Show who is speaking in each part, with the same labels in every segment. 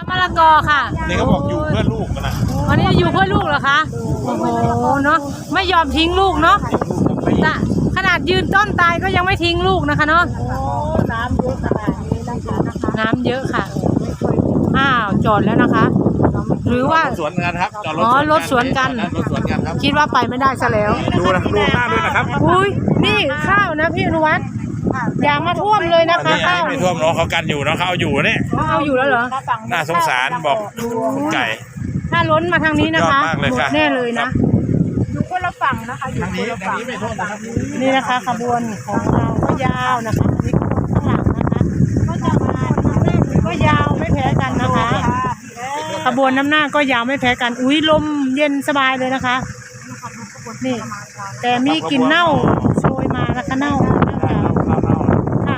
Speaker 1: มะละกอค่ะ
Speaker 2: นี่เขาบอกอยู่เพื่อลูกนะ
Speaker 1: วันนี้อยู่เพื่อลูกเหรอคะโอ้โหเนาะไม่ยอมทิ้งลูกเนาะขนาดยืนต้นตายก็ยังไม่ทิ้งลูกนะคะเนาะน้ำเยอะขนาดนี้นะคะน้ำเยอะค่ะอ้าวจอดแล้วนะคะหรือว่า
Speaker 2: สวนกันครับจอด
Speaker 1: รถสวนกัน
Speaker 2: ครับ
Speaker 1: คิดว่าไปไม่ได้ซะแล้ว
Speaker 2: ดูหน้าด้วยนะครับ
Speaker 1: อุ้ยนี่ข้าวนะพี่อนุวัฒน์อย่ามาท่วมเลยนะคะข้าว
Speaker 2: ไม่ท่วมเนาะเขากันอยู่เนาะเขาเอาอยู่เนี่ย
Speaker 1: เอาอยู่แล้วเหรอ
Speaker 2: น่าสงสารบอกคุณไก่
Speaker 1: ถ้าล้นมาทางนี้นะคะหมดแน่เลยนะ
Speaker 3: อยู่คนละฝั่งนะคะอยู่คนละฝั่ง
Speaker 1: นี่นะคะขบวนของเราก็ยาวนะคะนี่ข้างหลังนะคะก็จะมาก็ยาวไม่แพ้กันนะคะขบวนน้ำหน้าก็ยาวไม่แพ้กันอุ้ยลมเย็นสบายเลยนะคะนี่แต่มีกลิ่นเน่าโชยมานะคะเน่าค่ะ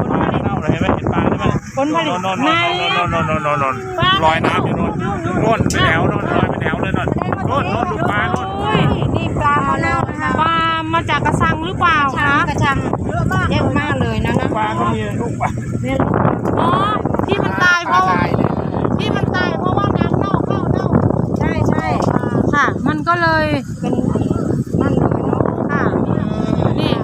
Speaker 1: ผลผลิตใน
Speaker 2: ลอยน้ำอยู่โน่นไปแถวโน่นลอยไปแถวเลยโน่นดูปลาโน่น
Speaker 3: นี่ปลามาแล้วนะคะ
Speaker 1: ปลามาจากกระชังหรือเปล่าคะ
Speaker 3: กระชังเยอะมากเลยนะ
Speaker 2: ปลาก็มีลูกปลา
Speaker 1: อ๋อที่มันตายเพราะว่าน้ำเน่าเข้าเน่า
Speaker 3: ใช่
Speaker 1: ค่ะมันก็เลย
Speaker 3: เป็นนั่นเลยเนาะ
Speaker 1: ค่ะนี่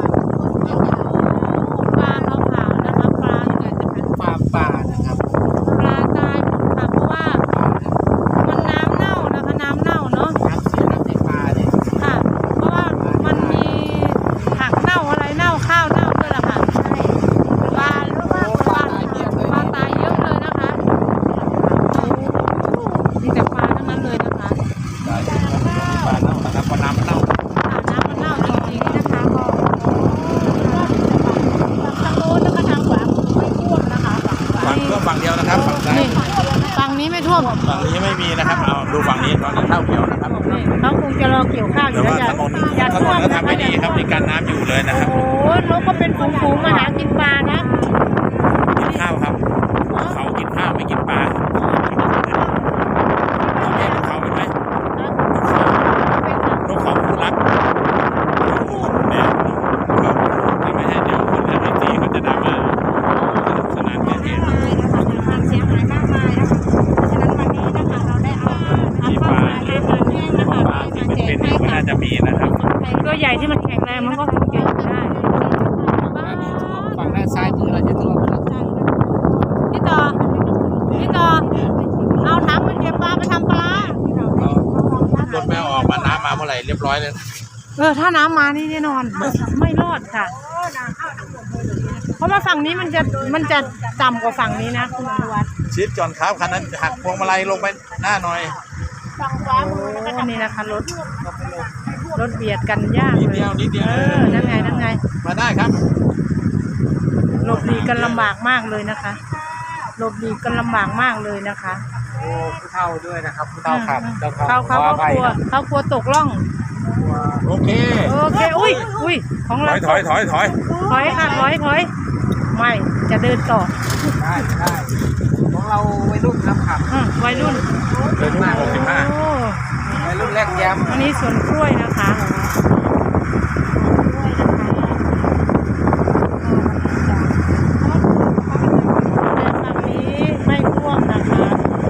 Speaker 1: ปลาขาวๆนะคะปลาเนี่ยจะเป็น
Speaker 2: ป่านะครับ
Speaker 1: ปลาตายค่ะเพราะว่ามันน้ำเน่านะคะน้ำเน่าเนาะค่ะเพราะว่ามันมีผักเน่าอะไรเน่าข้าวเน่าด้วยล่ะค่ะปลาตายเยอะเลยนะคะมีแต่ปลาทั้งนั้นเลยนะคะ
Speaker 2: ปลาเน่านะครับเพราะน้ำเน่า
Speaker 1: น้ำมันเน่าจริงๆนะคะก็ทางโน้นนะคะทางขวาไม่ท่วมนะคะ
Speaker 2: ฝั่งเดียวนะครับฝั่งซ้าย
Speaker 1: ฝั่งนี้ไม่ท่วม
Speaker 2: ฝั่งนี้ไม่มีนะครับเอาดูฝั่งนี้ตอนนี้เท่าเขียวนะครับ
Speaker 1: เขาคงจะรอเกี่ยวข้าวอยู่แล้วอย่าท่วม
Speaker 2: ก็ทำไม่ดีครับมีการน้ำอยู่เลยนะครับ
Speaker 1: โอ้โหนกก็เป็นฝูงๆมาหากินปลานะ
Speaker 2: กินข้าวครับเขากินข้าวไม่กินปลาเราเห็นเขาเป็นไหมนกเขาคู่รักเนี่ยเขาไม่ให้เดี๋ยวคนจะไม่ตีเขาจะดราม่าสนานเท่ๆ
Speaker 3: เสียหายมากมายนะคะเพราะฉะนั้นวันนี้นะคะเราได้เอา
Speaker 2: ปลาที่เป็นก็น่าจะมีนะครับ
Speaker 1: ตัวใหญ่ที่มันแข็งแรงมันก็คงจะอยู่ได้
Speaker 2: ฝั่งด้านซ้ายมือเราจะท่วม
Speaker 1: พี่ต่อเอาถังมันเก็บปลาไปทำปลาร
Speaker 2: ถแมวออกมาน้ำมาเมื่อไหร่เรียบร้อยเลย
Speaker 1: ถ้าน้ำมานี่แน่นอนไม่รอดค่ะเพราะว่าฝั่งนี้มันจะต่ำกว่าฝั่งนี้นะคุณอนุวัฒน์
Speaker 2: ชิดจอนครับคันนั้นหักพวงมาลัยลงไปหน้าหน่อย
Speaker 1: นี่นะคะรถเบียดกันยาก
Speaker 2: นิดเดียว
Speaker 1: นั่นไง
Speaker 2: มาได้ครับ
Speaker 1: หลบหลีกกันลำบากมากเลยนะคะหลบหลีกกันลำบากมากเลยนะคะ
Speaker 2: โอ้ผู้เฒ่าด้วยนะครับผู้เฒ่าขับ
Speaker 1: เขากลัวตกล่อง
Speaker 2: โอเค
Speaker 1: อุ้ยของเรา
Speaker 2: ถอย
Speaker 1: ค่ะถอยไม่จะเดินต่อ
Speaker 2: ได้ของเราวัยรุ่นครับ
Speaker 1: วัยรุ่น
Speaker 2: 65วัยรุ่นแรกแย้ม
Speaker 1: อันนี้สวนกล้วยนะคะฝั่งนี้ไม่ท่วมนะคะ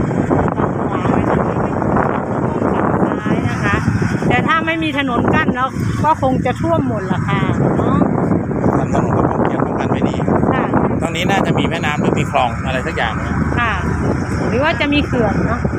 Speaker 1: ฝั่งขวาฝั่งซ้ายนะคะแต่ถ้าไม่มีถนนกั้นแล้วก็คงจะท่วมหมดละค่ะเนาะ
Speaker 2: ถนนก็คงเกี่ยวกันไม่ดีตรงนี้น่าจะมีแม่น้ำหรือมีคลองอะไรสักอย่าง
Speaker 1: ค่ะหรือว่าจะมีเขื่อนเนาะ